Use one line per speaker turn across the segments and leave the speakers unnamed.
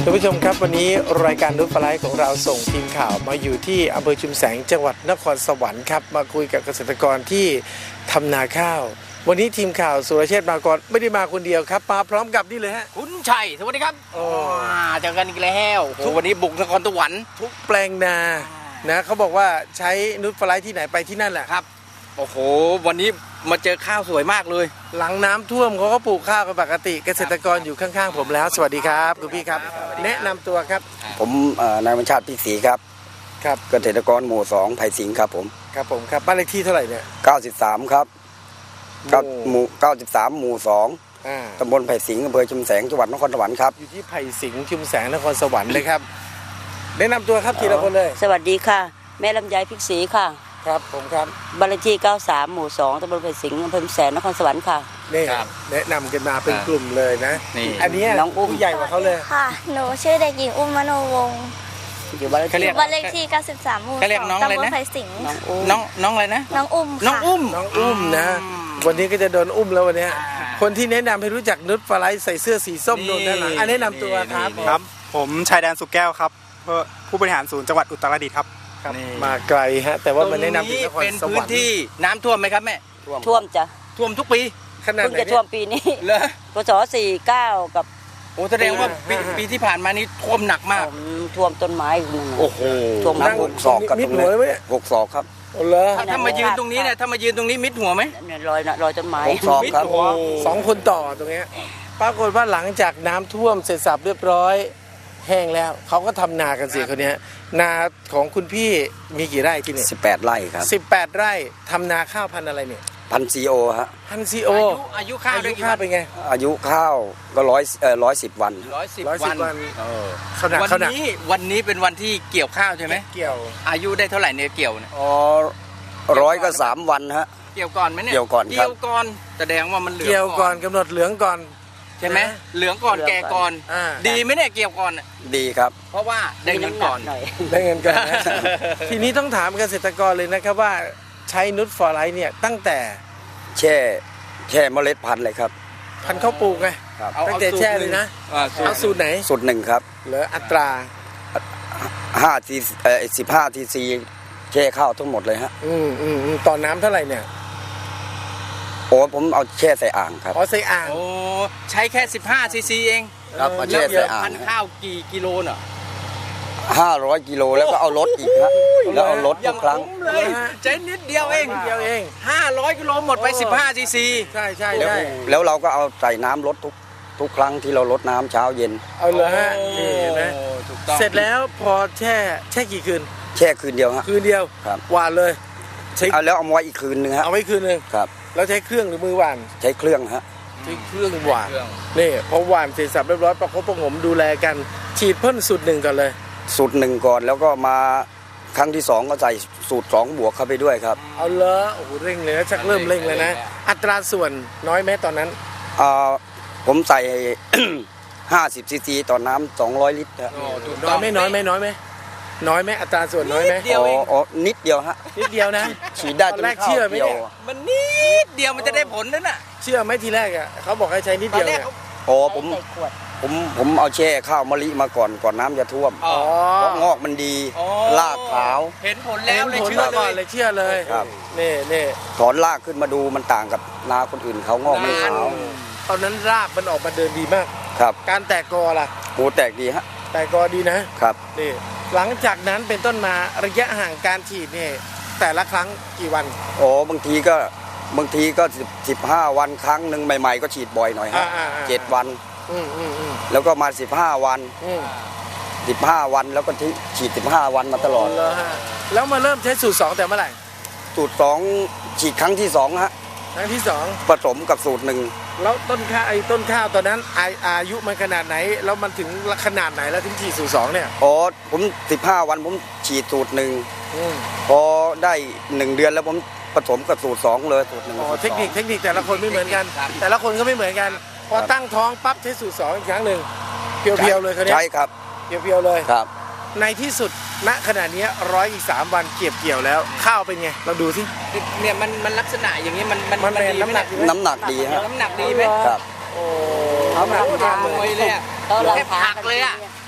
ท่านผู้ชมครับวันนี้รายการนุชฟลายของเราส่งทีมข่าวมาอยู่ที่อำเภอชุมแสงจังหวัดนครสวรรค์ครับมาคุยกับเกษตรกรที่ทำนาข้าววันนี้ทีมข่าวสุรเชษฐ์มากรไม่ได้มาคนเดียวครับมาพร้อมกับนี่เลยฮะ
คุณชัยสวัสดีครับเจอกันอีกแล้ววันนี้บุกนครสวรรค์
ทุกแปลงนานะเขาบอกว่าใช้นุชฟลายที่ไหนไปที่นั่นแหละ
ครับโอ้โหวันนี้มาเจอข้าวสวยมากเลย
หลังน้ำท่วมเขาก็ปลูกข้าวกันปกติเกษตรกรอยู่ข้างๆผมแล้วสวัสดีครับคุณพี่ครับแนะนำตัวครับ
ผมนายบัญชาติพิศรีครับ
ครับ
เกษตรกรหมู่2ไผ่สิงห์ครับผม
ครับบ้านเลขที่เท่าไหร่เนี่ย
93ครับหมู่93หมู่2ตำบลไผ่สิงห์อำเภอชุมแสงจังหวัดนครสวรรค์ครับ
อยู่ที่ไผ่สิงห์ชุมแสงนครสวรรค์เลยครับแนะนำตัวครับทีละคนเลย
สวัสดีค่ะแม่ลำไยพิศรีค่ะ
ครับผมครับ
บ้านเลขที่93หมู่2ตำบลไผ่สิงห์อำเภอชุมแสงนครสวรรค์ค่ะ
นี่แนะนำกันมาเป็นกลุ่มเลยนะอันนี้
น้องอุ้ม
ผู้ใหญ่กว่าเขาเลย
ค่ะหนูชื่อเด็กหญิงอุ้มมโนวงศ์
อยู่บ้าน
เลขที่93หมู่2ตำบลไผ่สิงห์
น้องอะไรนะ
น้องอุ้ม
น้องอุ้ม
นะวันนี้ก็จะโดนอุ้มแล้ววันนี้คนที่แนะนำให้รู้จักนุชฟลายใส่เสื้อสีส้มโดนด้านหลังแนะนำตัว
ครับผมชายแดนสุกแก้วครับผู้บริหารศูนย์จังหวัดอุตรดิตถ์ครับ
มาไกลฮะแต่ว่ามันแนะนำถึงนครสวรรค์เป็นพื้น
ที่น้ำท่วมไหมครับแม่
ท่วมจ้ะ
ท่วมทุกปี
ขนาดไหน
จะท่วมปีนี้
เหรอ
พศ49กับ
โอ้แสดงว่าปีที่ผ่านมานี้ท่วมหนักมาก
ท่วมต้นไม้นั่น
โอ้โห
ท่วม
6 ศอกกับตรงนี้6 ศอกครับ
ถ้ามายืนตรงนี้เนี่ยถ้ามายืนตรงนี้มิดหัวไหม
รอยต้นไม้
6 ศอกครับ
2 คนต่อตรงนี้ปรากฏว่าหลังจากน้ำท่วมเสร็จสับเรียบร้อยแห้งแล้วเขาก็ทำนากันสิคนนี้นาของคุณพี่มีกี่ไร่ที่นี่
18 ไร่ครับ
18 ไร่ทำนาข้าวพันธุ์อะไรเนี่ย
พันธุ์ซีโอฮะ
พันธุ์ซีโอ
อายุข้าว
เป็นไง
อายุข้าวก็110 วัน
110 วันวันนี้เป็นวันที่เกี่ยวข้าวใช่ไหม
เกี่ยว
อายุได้เท่าไหร่เนี่ยเกี่ยวเนี่ย
100 ก็ 3 วันฮะ
เกี่ยวก่อนไหมเนี่ย
เกี่ยวก่อน
แสดงว่ามันเหลือง
เกี่ยวก่อนกำหนดเหลืองก่อน
ใช่ไหมเหลืองก่อนแก่ก่อนดีไหมเนี่ยเกี่ยวก่อน
ดีครับ
เพราะว่าได้เงินก่อน
ได้เงินก่อนนะทีนี้ต้องถามเกษตรกรเลยนะครับว่าใช้นุชฟลายเนี่ยตั้งแต่
แช่เมล็ดพันธุ์เลยครับ
พันธุ์ข้าวปลูกไงตั้งแต่แช่เลยนะเอาสูตรไหน
สูตร1ครับ
เหลืออัตรา
15 ทีซีแช่ข้าวทั้งหมดเลยฮะ
ต่อน้ำเท่าไหร่เนี่ย
โอ้ผมเอาแช่ใส่อ่างครับ
ใส่อ่าง
โอ้ใช้แค่15 ซีซีเอง
ครับมาแช่ใส่อ่าง
พันข้าวกี่กิโลเนาะ
500 กิโลแล้วก็เอารถอีกครับแล้วเอารถทุกครั้ง
ใช้นิดเดียวเอง500 กิโลหมดไป15 ซีซี
ใช่
แล้วเราก็เอาใส่น้ำรถทุกครั้งที่เรารดน้ำเช้าเย็น
เอาเลยฮะนี่นะเสร็จแล้วพอแช่กี่คืน
แช่คืนเดียวฮะ
คืนเดียว
ครับ
หวานเลย
เอาแล้วเอาไว้อีกคืนนึงฮะ
เอาไว้คืนนึง
ครับ
แล้วใช้เครื่องหรือมือหวาน
ใช้เครื่องฮะ
ใช้เครื่องหวานนี่พอหวานเสร็จสับเรียบร้อยประคบประงมดูแลกันฉีดพ่นสูตร1ก่อนเลย
สูตร1ก่อนแล้วก็มาครั้งที่2ก็ใส่สูตร2 บวกเข้าไปด้วยครับ
เอาเลยโอ้โหเร่งเลยชักเริ่มเร่งเลยนะอัตราส่วนน้อยไหมตอนนั้น
ผมใส่50 ซีซีต่อน้ำ200 ลิตร
น้อยไหมน้อยไหมอัตราส่วนน้อยไหม
นิดเดียวฮะ
นิดเดียวนะ
ฉีดได้
ตอนแรกเชื่อไหมเนี่ย
มันนิดเดียวมันจะได้ผลนั่นน่ะ
เชื่อไหมทีแรกอ่ะเขาบอกให้ใช้นิดเดียวเนี่ย
ผมเอาแช่ข้าวมะลิมาก่อนน้ำจะท่วมเพราะงอกมันดีรากขาว
เห็นผลแล้วเลยเ
ชื่อเลย
ครับ
นี่
ถอนรากขึ้นมาดูมันต่างกับนาคนอื่นเขางอกไม่ขาว
ตอนนั้นรากมันออกมาเดินดีมาก
ครับ
การแตกกอล่ะ
โอ้แตกดีฮะ
แตกกอดีนะครับนี่หลังจากนั้นเป็นต้นมาระยะห่างการฉีดเนี่ยแต่ละครั้งกี่วัน
บางทีก็15 วันครั้งหนึ่งใหม่ๆก็ฉีดบ่อยหน่อยฮะ7 วันแล้วก็มา15 วัน15 วันแล้วก็ฉีด15 วันมาตลอด
แล้วมาเริ่มใช้สูตร2แต่เมื่อไหร่
สูตร2ฉีดครั้งที่2ฮะ
ครั้งที่2
ผสมกับสูตร1
แล้วต้นข้าวตอนนั้นอายุมันขนาดไหนแล้วมันถึงขนาดไหนแล้วถึงฉีดสูตร2เนี่ย
ผม15 วันผมฉีดสูตร1พอได้1 เดือนแล้วผมผสมกับสูตร2เลยสูตร1
เทคนิคแต่ละคนไม่เหมือนกันแต่ละคนก็ไม่เหมือนกันพอตั้งท้องปั๊บใช้สูตร2อีกครั้งหนึ่งเพียวๆเลยคนนี้
ใช่ครับ
เพียวๆเลย
ครับ
ในที่สุดณขณะนี้103 วันเก็บเกี่ยวแล้วข้าวเป็นไงเราดูสิ
เนี่ยมันลักษณะอย่างนี้มัน
ดีน้ำหนัก
ดีฮะ
น้ำหนักดีไหม
ครับ
น้ำหนัก
มวยเลยแค่ผักเลยอ่ะ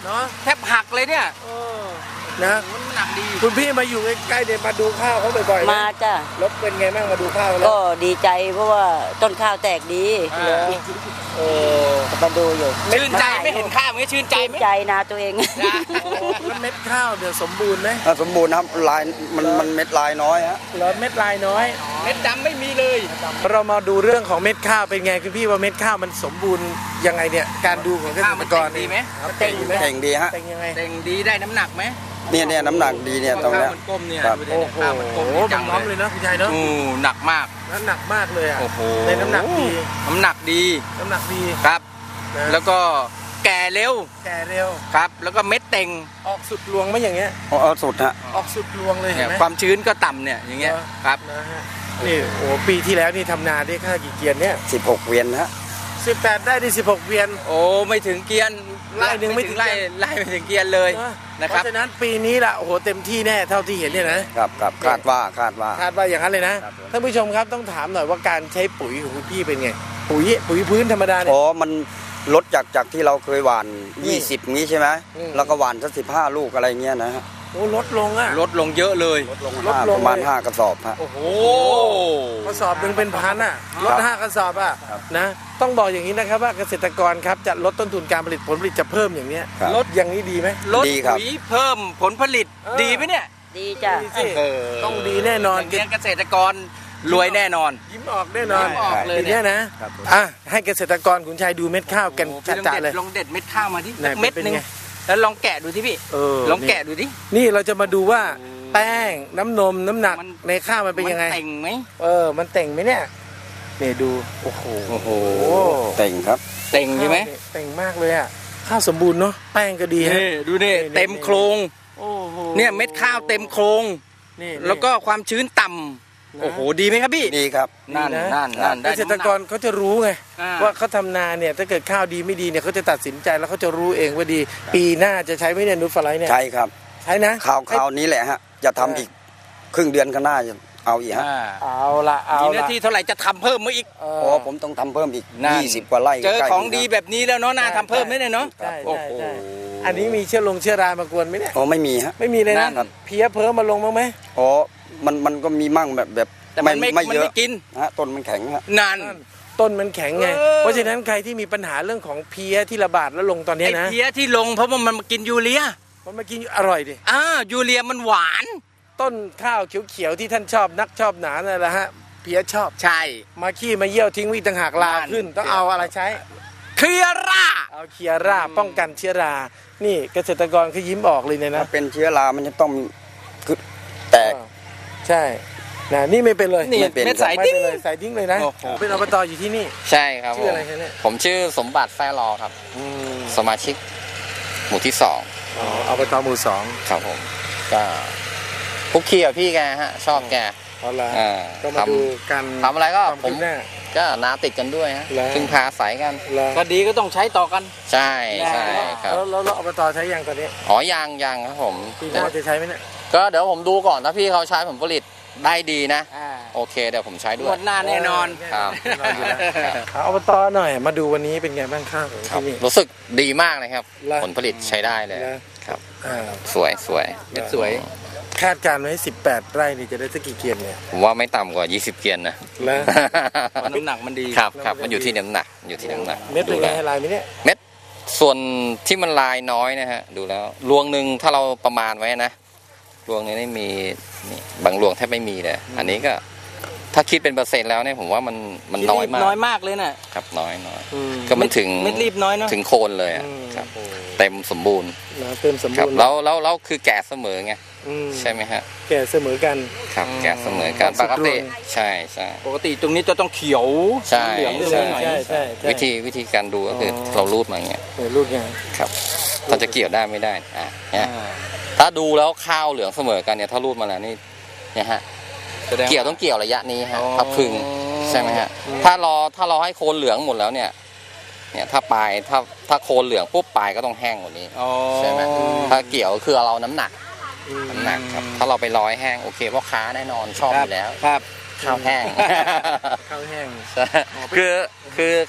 เนาะ
แทบหักเลยเนี่ย
นะ
มันหนักดี
คุณพี่มาอยู่ใกล้ๆเดี๋ยวมาดูข้าวเขาบ่อยๆนะ
มาจ้ะ
รถเป็นไงบ้างมาดูข้าวแล้ว
ก็ดีใจเพราะว่าต้นข้าวแตกดี
เออ
มาดูอยู่
ชื่นใจไหม่เห็นข้าวไหมชื่นใจไหม
ใจนาตัวเอง
แล้วเม็ดข้าวเดี๋ยวสมบูรณ์ไหม
สมบูรณ์ครับลายมันเม็ดลายน้อยฮะ
แล้วเม็ดลายน้อย
เม็ดดำไม่มีเลย
เรามาดูเรื่องของเม็ดข้าวเป็นไงคุณพี่ว่าเม็ดข้าวมันสมบูรณ์ยังไงเนี่ยการดูของเกษ
ข้าว
ต
มั
ร
น
ก
เต่
รง
ดีไหม
เต่งไหม
เข่งดีฮะ
เต่งยังไง
เต่งดีได้น้ำหนักไหม
เนี่ยน้ำหนักดีเนี่ยตรง
ข้า
เนี้
วย มันกลมเนี่ย
ครับ
ดูดิ
โอ้
เนี่ย
โห
ข้าวมันกลมดีจัง
น้อม
เล
เลย ยนะคุณชายเนาะ
หนักมาก
น้ำหนักมากเลยอ่ะ
โอ้โห
ในน้ำหนักดี
น้ำหนักดี
น้ำหนักดี
ครับ
นะ
แล้วก็แก่เร็ว
แก่เร็ว
ครับ แล้วก็เม็ดเต่ง
ออกสุดรวงไหมอย่างเงี้ย
เอาสุดฮะ
ออกสุดรวงเลยเห็
เนี่
น
ย
ไหม
ความชื้นก็ต่ำเนี่ยอย่างเงี้ย
เหรอ
ครับ
นะฮะนี่โอ้ปีที่แล้วนี่ทำนาได้ค่ากี่เกียนเนี่ย
16 เวียนฮะ
18ได้ที่16เวียน
โอ้ไม่ถึงเกียน
ไล่หนึ่งไม่ถึง
ไล่
เกียน
ไล่ไม่ถึงเกียนเลย
นะ
ค
เพ
รับ
ราะฉะนั้นปีนี้ล่ะโอ้โหเต็มที่แน่เท่าที่เห็นเนี่ยนะครับ
คาดว่า
คาดว่าอย่างนั้นเลยนะครับ
ผม
ท่านผู้ชมครับต้องถามหน่อยว่าการใช้ปุ๋ยของคุณพี่เป็นไงปุ๋ยพื้นธรรมดาเนี่ย
อ๋อมันลดจากที่เราเคยหว่าน 20งี้ใช่ไหม
อืม
แล้วก็หว่านสัก15 ลูกอะไรเงี้ยนะฮะ
โอ้ลดลงอ่ะ
ลดลงเยอะเลย
ลดลง
ลดลง
ประมาณ
เลย
5 กระสอบฮะ
โอ้โห
โอ้
กระสอบหนึ่งเป็นพันอ่ะลด
ครับ
5 กระสอบอ่ะ
ครับ
นะต้องบอกอย่างนี้นะครับว่าเกษตรกรครับจะลดต้นทุนการผลิตผลผลิตจะเพิ่มอย่างเนี้ย
ครับ
ลดอย่างนี้ดีไหม
ลด
ดีครับ
ปุ๋ยเพิ่มผลผลิต
เออ
ดีไหมเนี่ย
ดีจ้ะ
ดีสิ
เออ
ต้องดีแน่นอน
อย่างเงี้ยเกษตรกรรวยแน่นอน
ยิ้มออกแน่นอน
ยิ้มออกเลย
ปี
เนี่
เนี้
ย
ยนะครับ อ่ะให้เกษตรกรขุนชัยดูเม็ดข้าวกัน
โอ้พี่
จัดๆเลย
ลองเด็ดเม็ดข้าวมาที่
ไหน
เม็ด
เป็น
หนึง
ไง
แล้วลองแกะดูที่พี่
เออ
ลองแกะดูดิ
นี่เราจะมาดูว่าแป้งน้ำนมน้ำหนัก
มัน
ในข้าวมันเป็นยังไง
เต่งไหม
มันเต่งไหมเนี่ยนี่ดูโอ้โห
โอ้โหเต่งครับ
เต่งใช่ไหม
ข้าวเนี่ยเต่งมากเลยอ่ะข้าวสมบูรณ์เนาะแป้งก็ดีฮะ
นี่ดูนี่
นี่
เต็มโครง
โอ้โห
เนี่ยเม็ดข้าวเต็มโครง
นี่
แล้วก็ความชื้นต่ำ
นะ
โอ้โหดีไหมครับพี่
ดีครับ
นั่น
ดีนะ
นั่น
เกษตรกรเขาจะรู้ไง
อ่า
ว่าเขาทำนาเนี่ยถ้าเกิดข้าวดีไม่ดีเนี่ยเขาจะตัดสินใจแล้วเขาจะรู้เองว่าดี ปีหน้าจะใช้ไหมเนี่ยนูตฟลายเนี่ย
ใช่ครับ
ใช้นะ
ข่าวนี้แหละฮะ จะทำอีกครึ่งเดือนข้างหน้าจะเอาอีกฮะ
อ่า
เอาละเอา
มีหน้า
ละ
ที่เท่าไหร่จะทำเพิ่มมาอีก
อ๋อผมต้องทำเพิ่มอีก
นั่น
20 กว่าไร่
เจอ
ใกล้ๆ
ของ
นี่
ดี
ครับ
แบบนี้แล้วเนาะน่าทำเพิ่มไหมเนี่ยเนาะ
ใช่
โอ้
ใช่
โห
ใช่อันนี้มีเชื้อรามากวนไหมเนี่ย
อ๋อไม่มีฮะ
ไม่มีเลย
นั่
นะ
น
เพี้ยเพิ่มมาลงบ้างไหม
อ๋อมันก็มีมั่งแบบ
แต่มันไม่
เยอะ
ไม่กิน
ฮะต้นมันแข็งฮะ
นั่น
ต้นมันแข็งไง
เออ
เพราะฉะนั้นใครที่มีปัญหาเรื่องของเพี้ยที่ระบาดแล้วลงตอนเนี้
ไอ้
ยนะ
เพี้ยที่ลงเพราะว่ามันมากินยูเรีย
มันมากินอร่อยดิ
ยูเรียมันหวาน
ต้นข้าวเขียวๆที่ท่านชอบนักชอบหนานั่นแหละฮะเพี้ยชอบ
ใช่
มาขี้มาเยี่ยวทิ้งวิต่างหากลา
นั่น
ขึ้นต้องเอาอะไรใช้
เคลียร่า
เอาเคียร่าป้องกันเชื้อรา นี่เกษตรกรเขายิ้มออกเลยเนี่ย
ถ้า
นะ
เป็นเชื้อรามันจะต้องคือแตก
ใช่นะนี่ไม่เป็นเลย
นี่
ไม่เป็น
เม็ดสาย
ไม่
ติ้ง
เป็นเลยใส่ทิ้งเลยนะ
โอ้โห
เป็นอบตอยู่ที่นี่
ใช่ครับ
ชื่ออะไรคะเนี่ย
ผมชื่อสมบัติแฟรอครับ สมาชิกหมู่ที่สอง
อ๋ออบตหมู่สอง
ครับผม ก็คุกคีกับพี่แกฮะ ชอบแก
เอาละ
อ่า
ก็มาดูกัน
ทำอะไรก็
ความ
ผม
คืบหน้า
ก็นาติดกันด้วยฮะ
แล้ว
พึ่งพาอาศัยกัน
แล้ว
ก็ดีก็ต้องใช้ต่อกัน
ใช่ใช่ครับ
แล้วอบตใช้ยังตอนนี้
อ๋อยังครับผม
ปีหน้าจะใช้ไหมเนี่ย
ก็เดี๋ยวผมดูก่อนถ้าพี่เขาใช้ผลผลิตได้ดีนะ โอเคเดี๋ยวผมใช้ด้
ง
ว
วย ดหน้าแน่นอน
ครับ
แน่นอนอยู่แล้วเอาอบตหน่อยมาดูวันนี้เป็นไงบ้างข้าวของ
ครับ
ที่นี่
รู้สึกดีมากเลยครับ
แล้ว
ผลผลิตใช้ได้เลย
แล้ว
ครับ
อ่า
สวยสวย
เม็ดสวย
คาดการณ์ไว้18 ไร่นี่จะได้สักกี่เกียนเนี่ย
ผมว่าไม่ต่ำกว่า 20 เกียนนะ
แล้ว
เพราะน้ำหนักมันดี
ครับครับมันอยู่ที่น้ำหนักอยู่ที่น้ำหนัก
เม็ดเป็น
ดู
ไง
แล้ว
ให้ลายไหมเนี่ย
เม็ดส่วนที่มันลายน้อยนะฮะดูแล้วรวงหนึ่งถ้าเราประมาณไว้นะรวงนี้ไม่มีนี่บางรวงแทบไม่มีเลยอันนี้ก็ถ้าคิดเป็นเปอร์เซ็นต์แล้วเนี่ยผมว่ามันน้อยมาก
น้อยมากเลยน่ะ
ครับน้อยก็มันถึง
เม็ดรีบน้อยเนาะ
ถึงโคนเลยอะครับเต็มสมบูรณ์
นะเติมสม
ครับ
บูรณ์
แล้วคือแก่เสมอไง
อืม
ใช่ไหมฮะ
แก่เสมอกัน
ครับแก่เสมอกัน
สุ
ป
ด
กติ
รวง
ใช่ใช่
ปกติตรงนี้จะต้องเขียว
ใช่
เหลือง
ใช่
หน่อย
ใช่ใช่ใช่
วิธีการดูก็คืออ
อ
เรารูดมาอย่างเงี้ย
เนี่ยรูดไง
ครับถ้าจะเกี่ยวได้ไม่ได้เนี่ยถ้าดูแล้วข้าวเหลืองเสมอกันเนี่ยถ้ารูดมาแล้วนี่เนี่ยฮะ
แสดง
เกี่ยวต้องเกี่ยวระยะนี้ฮะ
อ๋อ
พับพึงใช่ไหมฮะถ้ารอให้โคนเหลืองหมดแล้วเนี่ยถ้าปลายถ้าโคนเหลืองปุ๊บปลายก็ต้องแห้งกว่านี้
อ๋อ
ใช่ไหมถ้าเกี่ยวก็คือเราน้ำหนักครับถ้าเราไปร้อยแห้งโอเคพ่อค้าแน่นอนชอบอยู่แล้ว
ครับ
ข้าวแห้ง
ข้าวแห้ง
ใช่คือ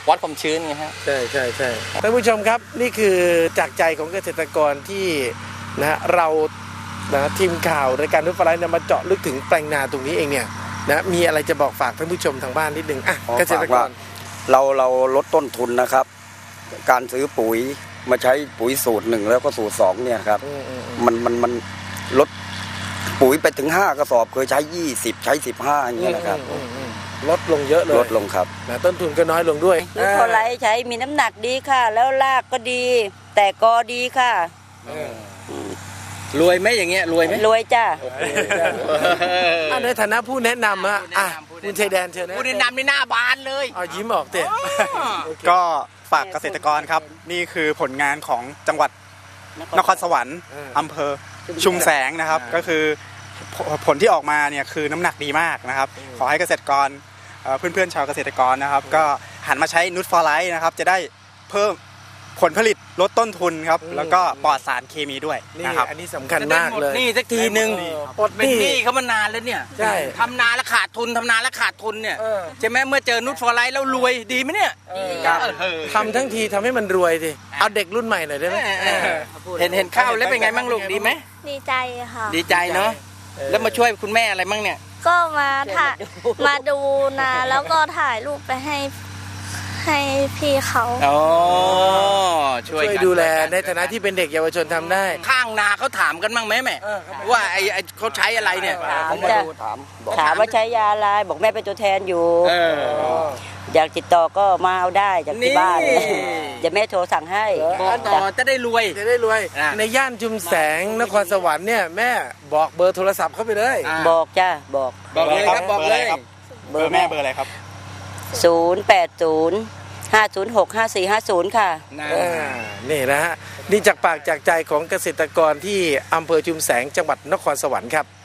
วัดความชื้นไงฮะ
ใช่ใช่ใช่ท่านผู้ชมครับนี่คือจากใจของเกษตรกรที่นะเรานะทีมข่าวรายการนุชฟลายเนี่ยมาเจาะลึกถึงแปลงนาตรงนี้เองเนี่ยนะมีอะไรจะบอกฝากท่านผู้ชมทางบ้านนิดนึงอ่ะเกษตรกร
เราลดต้นทุนนะครับ การซื้อปุ๋ยมาใช้ปุ๋ยสูตร 1แล้วก็สูตร 2เนี่ยครับมันลดปุ๋ยไปถึง5กระสอบเคยใช้20ใช้15อย่างเงี้ยนะครับ
ลดลงเยอะเลย
ลดลงครับ
นะต้นทุนก็น้อยลงด้วย
นุชฟลายใช้มีน้ำหนักดีค่ะ แล้วรากก็ดี แต่กอดีค่ะ
รวยไหมอย่างเงี้ยรวยไหม
รวยจ้า
ในฐานะผู้แนะนำฮะอ่ะคุณชัยแดนเชิญนะ
ผู้แนะนำในหน้าบานเลย
เอายิ้มออกเตะ
ก็ฝากเกษตรกรครับ นี่คือผลงานของจังหวัดนครสวรรค์อำเภอชุมแสงนะครับ ก็คือผลที่ออกมาเนี่ยคือน้ำหนักดีมากนะครับ ขอให้เกษตรกรเพื่อนๆชาวเกษตรกรนะครับ ก็หันมาใช้นูตฟอร์ไลท์นะครับ จะได้เพิ่มผลผลิตลดต้นทุนครับ แล้วก็ปลอดสารเคมีด้วย
นี่
นะครับ
อันนี้สำคัญมากเลย
นี่สักทีหนึ่ง
ปลดห
เป็น
นี้
หนี้เขามานานแล้วเนี่ย
ใช่
ทำนาแล้วขาดทุนทำนาแล้วขาดทุนเนี่ย
เออ
ใช่ไหมเมื่อเจอนุชฟอร์ไลท์แล้วรวยดีไหมเนี่ย
ทำทั้งทีทำให้มันรวยสิเอาเด็กรุ่นใหม่หน่อยได้ไหม
เห็นข้าวแล้วเป็นไงบ้างลูกดีไหม
ดีใจค่ะ
ดีใจเนาะแล้วมาช่วยคุณแม่อะไรบ้างเนี่ย
ก็มามาดูนาแล้วก็ถ่ายรูปไปให้พี่เขา
อ๋อช่
ช่
ว
วย ย
กัน
ดูแลในฐานะที่เป็นเด็กเยาวชนทำได้
ข้างนาเขาถามกันบ้างไหมแม่ว่าไอ้เขาใช้อะไรเนี่ย
ถาม
มา
จ้ะ
ดูบอก
ถามว่าใช้ยาอะไรบอกแม่เป็นตัวแทนอยู่
เออ
อยากติดต่อก็มาเอาได้จากที่บ้าน
นี่
เดี๋ยวแม่โทรสั่งให้
บอกต่อจะได้รวย
จะได้รวย
อ่ะ
ในย่านชุมแสงนครสวรรค์เนี่ยแม่บอกเบอร์โทรศัพท์เข้าไปเลย
บอกจ้าบอก
บอกเลยครับบอกเลย
เบอร์แม่เบอร์อะไรครับ
080-506-5450 ค่ะ
นะ
นี่นะฮะนี่จากปากจากใจของเกษตรกรที่อำเภอชุมแสงจังหวัดนครสวรรค์ครับ